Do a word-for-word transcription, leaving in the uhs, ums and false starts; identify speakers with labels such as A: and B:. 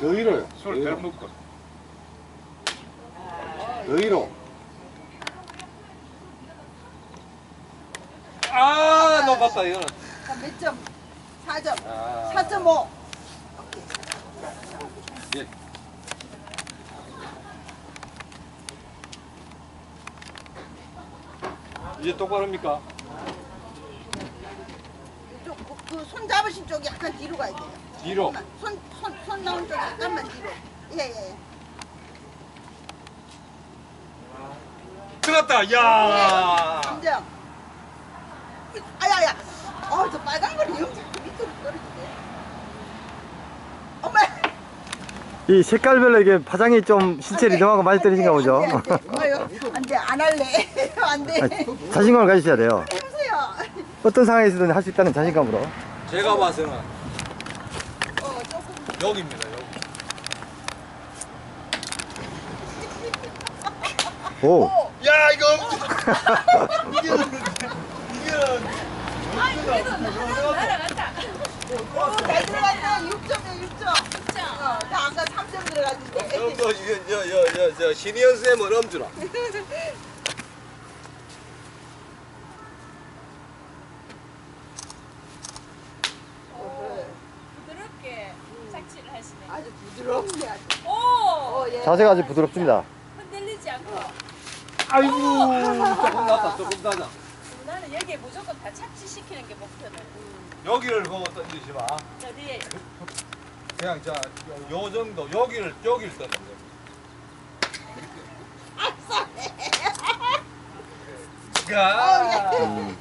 A: 더 위로요.
B: 술 덜 먹고.
A: 더 위로.
B: 아, 높았다, 이거는.
C: 몇 점? 사 점.
B: 아.
C: 사 점 오.
B: 예. 이제 똑바로 합니까?
C: 그 손 잡으신 쪽이 약간 뒤로 가야 돼요.
B: 뒤로.
C: 손, 손, 손 나온 쪽 약간만 뒤로. 예, 예.
B: 들었다, 야.
C: 감정. 아야야. 어, 저 빨간 거리 영장 밑으로 떨어지네. 엄마.
D: 이 색깔별로 이게 파장이 좀 신체 리듬하고 많이 떨어진가 보죠.
C: 안 돼, 안 돼. 아유, 안 돼, 안 할래. 안 돼.
D: 아, 자신감을 가지셔야 돼요.
C: 해보세요.
D: 어떤 상황에서든 할 수 있다는 자신감으로.
B: 제가 봐서는
C: 어, 조금.
B: 여기입니다, 여기.
D: 오.
B: 야, 이거. 이게는, 이게는.
E: 아니 그래도 날아갔다.
C: 오, 잘 들어갔다. 육 점이야, 육 점. 어, 나 아까 삼 점 들어갔는데.
B: 저, 저, 저, 저, 저, 저, 신희연 쌤은 엄주라.
E: 부드럽게 착지를 하시네.
C: 아주 부드럽네, 아주.
E: 오!
C: 어, 예.
D: 자세가 아주 부드럽습니다.
E: 흔들리지 않고.
B: 아이고, 조금 낫다, 조금 낫다.
E: 나는 여기에 무조건 다 착지시키는 게 목표는.
B: 여기를 보고 던지지 마.
E: 어디에?
B: 그냥 자, 요, 요 정도, 여기를, 여기를 던져. 야.
C: 어, 예.